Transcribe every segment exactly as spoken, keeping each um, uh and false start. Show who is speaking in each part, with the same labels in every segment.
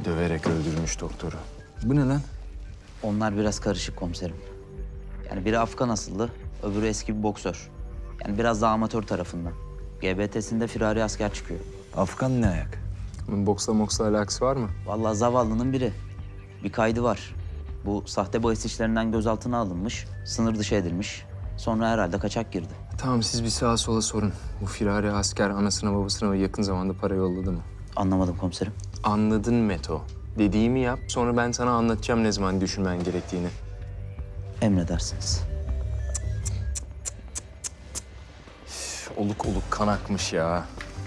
Speaker 1: Döverek öldürmüş doktoru. Bu ne lan?
Speaker 2: Onlar biraz karışık komiserim. Yani biri Afgan asıllı, öbürü eski bir boksör. Yani biraz daha amatör tarafından. G B T'sinde firari asker çıkıyor.
Speaker 1: Afgan ne ayak? Bunun boksla moksla alakası var mı?
Speaker 2: Vallahi zavallının biri. Bir kaydı var. Bu sahte bahis işlerinden gözaltına alınmış, sınır dışı edilmiş. Sonra herhalde kaçak girdi.
Speaker 1: Tamam siz bir sağa sola sorun. Bu firari asker anasına babasına yakın zamanda para yolladı mı?
Speaker 2: Anlamadım komiserim.
Speaker 1: Anladın Meto. Dediğimi yap sonra ben sana anlatacağım ne zaman düşünmen gerektiğini.
Speaker 2: Emredersiniz.
Speaker 1: Üf, oluk oluk kan akmış ya.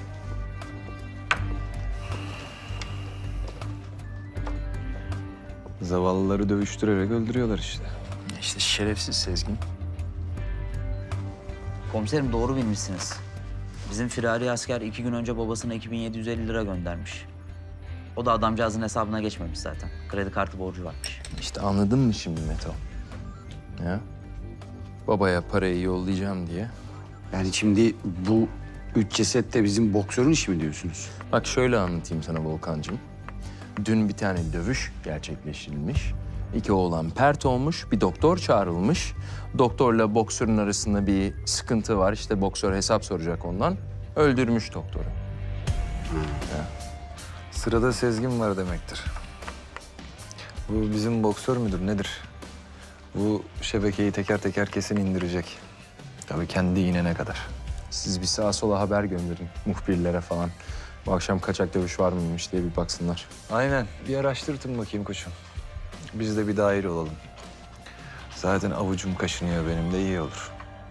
Speaker 3: Zavallıları dövüştürerek öldürüyorlar işte.
Speaker 1: İşte şerefsiz Sezgin.
Speaker 2: Komiserim doğru bilmişsiniz. Bizim firari asker iki gün önce babasına iki bin yedi yüz elli lira göndermiş. O da adamcağızın hesabına geçmemiş zaten. Kredi kartı borcu varmış.
Speaker 1: İşte anladın mı şimdi Meto? Ya? Babaya parayı yollayacağım diye.
Speaker 4: Yani şimdi bu üç ceset de bizim boksörün işi mi diyorsunuz?
Speaker 1: Bak şöyle anlatayım sana Volkan'cığım. Dün bir tane dövüş gerçekleştirilmiş. İki oğlan pert olmuş, bir doktor çağrılmış. Doktorla boksörün arasında bir sıkıntı var. İşte boksör hesap soracak ondan. Öldürmüş doktoru.
Speaker 3: Sırada Sezgin var demektir. Bu bizim boksör müdür nedir? Bu şebekeyi teker teker kesin indirecek. Tabii kendi inene kadar.
Speaker 1: Siz bir sağa sola haber gönderin muhbirlere falan. Bu akşam kaçak dövüş var mıymış diye bir baksınlar.
Speaker 3: Aynen. Bir araştırtın bakayım koçum. Biz de bir daire olalım. Zaten avucum kaşınıyor benim de iyi olur.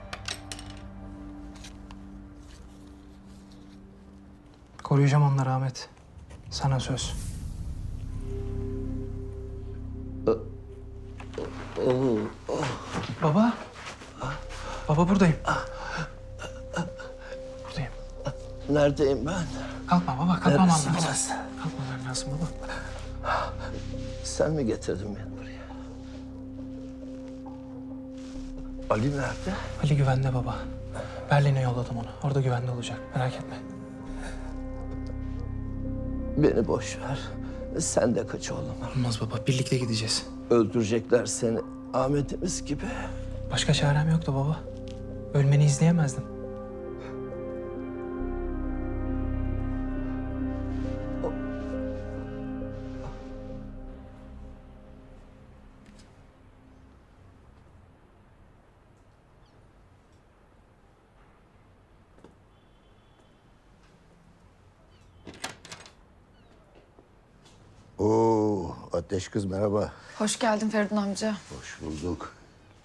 Speaker 5: Koruyacağım onları Ahmet. Sana söz. Baba. Baba buradayım. Buradayım.
Speaker 6: Neredeyim ben?
Speaker 5: Kalkma baba, kalkmaman
Speaker 6: Neredesin
Speaker 5: lazım.
Speaker 6: burası?
Speaker 5: Kalkmaman lazım baba.
Speaker 6: Sen mi getirdin beni buraya? Ali nerede?
Speaker 5: Ali güvende baba. Berlin'e yolladım onu. Orada güvende olacak. Merak etme.
Speaker 6: Beni boş ver. Sen de kaç oğlum.
Speaker 5: Olmaz baba. Birlikte gideceğiz.
Speaker 6: Öldürecekler seni. Ahmet'imiz gibi.
Speaker 5: Başka çarem yoktu baba. Ölmeni izleyemezdim.
Speaker 7: Oo, Ateş kız merhaba.
Speaker 8: Hoş geldin Feridun amca.
Speaker 7: Hoş bulduk.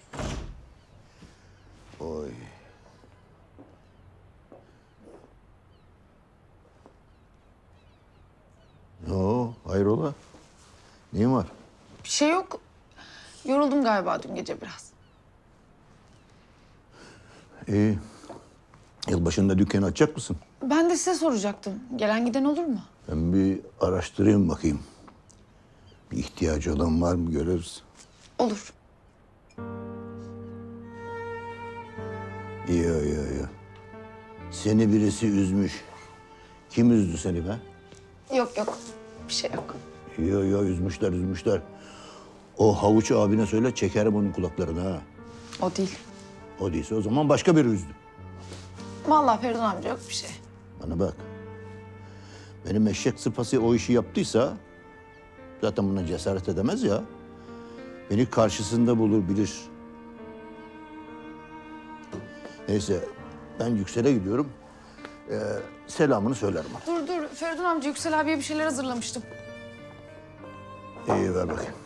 Speaker 7: Oy. Ne o? Hayrola? Neyin var?
Speaker 8: Bir şey yok. Yoruldum galiba dün gece biraz.
Speaker 7: İyi. Yılbaşında dükkanı açacak mısın?
Speaker 8: Ben de size soracaktım. Gelen giden olur mu?
Speaker 7: Ben bir araştırayım bakayım. Bir ihtiyacı olan var mı görürüz.
Speaker 8: Olur.
Speaker 7: İyi, iyi, iyi. Seni birisi üzmüş. Kim üzdü seni be?
Speaker 8: Yok yok. Bir şey yok.
Speaker 7: Yo yo üzmüşler üzmüşler. O havuç abine söyle çekerim onun kulaklarını ha.
Speaker 8: O değil.
Speaker 7: O değilse o zaman başka biri üzdü.
Speaker 8: Vallahi Feridun amca yok bir şey.
Speaker 7: Bana bak. Benim eşek sıpası o işi yaptıysa zaten buna cesaret edemez ya. Beni karşısında bulur bilir. Neyse ben Yüksel'e gidiyorum. Ee, selamını söylerim ona.
Speaker 8: Dur dur. Feridun amca Yüksel abiye bir şeyler hazırlamıştım.
Speaker 7: İyi ver bakayım.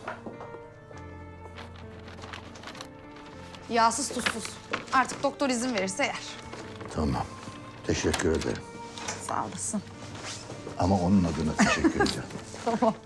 Speaker 8: Yağsız tuzsuz. Artık doktor izin verirse yer.
Speaker 7: Tamam. Teşekkür ederim.
Speaker 8: Sağ olasın.
Speaker 7: Ama onun adına teşekkür ederim.
Speaker 8: Tamam.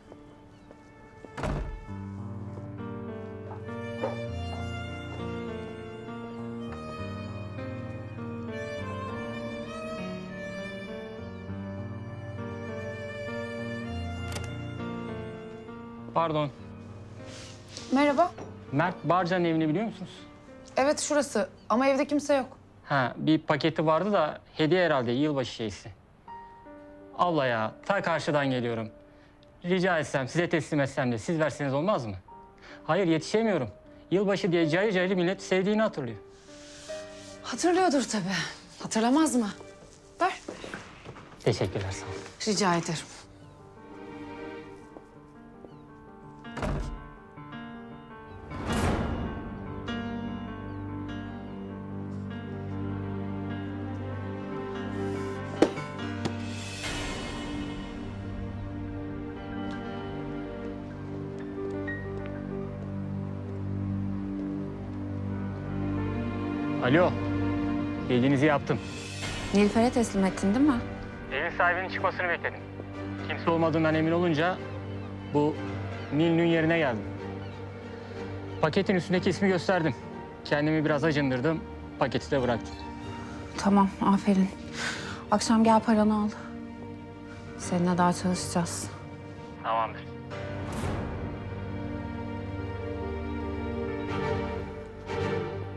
Speaker 9: Pardon.
Speaker 8: Merhaba.
Speaker 9: Mert Barcan'ın evini biliyor musunuz?
Speaker 8: Evet şurası ama evde kimse yok.
Speaker 9: Ha, bir paketi vardı da hediye herhalde yılbaşı şeysi. Abla ya, ta karşıdan geliyorum. rica etsem, size teslim etsem de siz verseniz olmaz mı? Hayır, yetişemiyorum. Yılbaşı diye cayır cayır millet sevdiğini hatırlıyor.
Speaker 8: Hatırlıyordur tabii. Hatırlamaz mı? Ver.
Speaker 9: Teşekkürler, sağ olun.
Speaker 8: Rica ederim.
Speaker 9: Alo, dediğinizi yaptım.
Speaker 8: Nilüfer'e teslim ettin değil mi?
Speaker 9: Evin sahibinin çıkmasını bekledim. Kimse olmadığından emin olunca bu Nil'nin yerine geldim. Paketin üstündeki ismi gösterdim. Kendimi biraz acındırdım, paketi de bıraktım.
Speaker 8: Tamam, aferin. Akşam gel paranı al. Seninle daha çalışacağız.
Speaker 9: Tamamdır.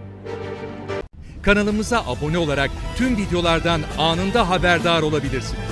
Speaker 10: Kanalımıza abone olarak tüm videolardan anında haberdar olabilirsiniz.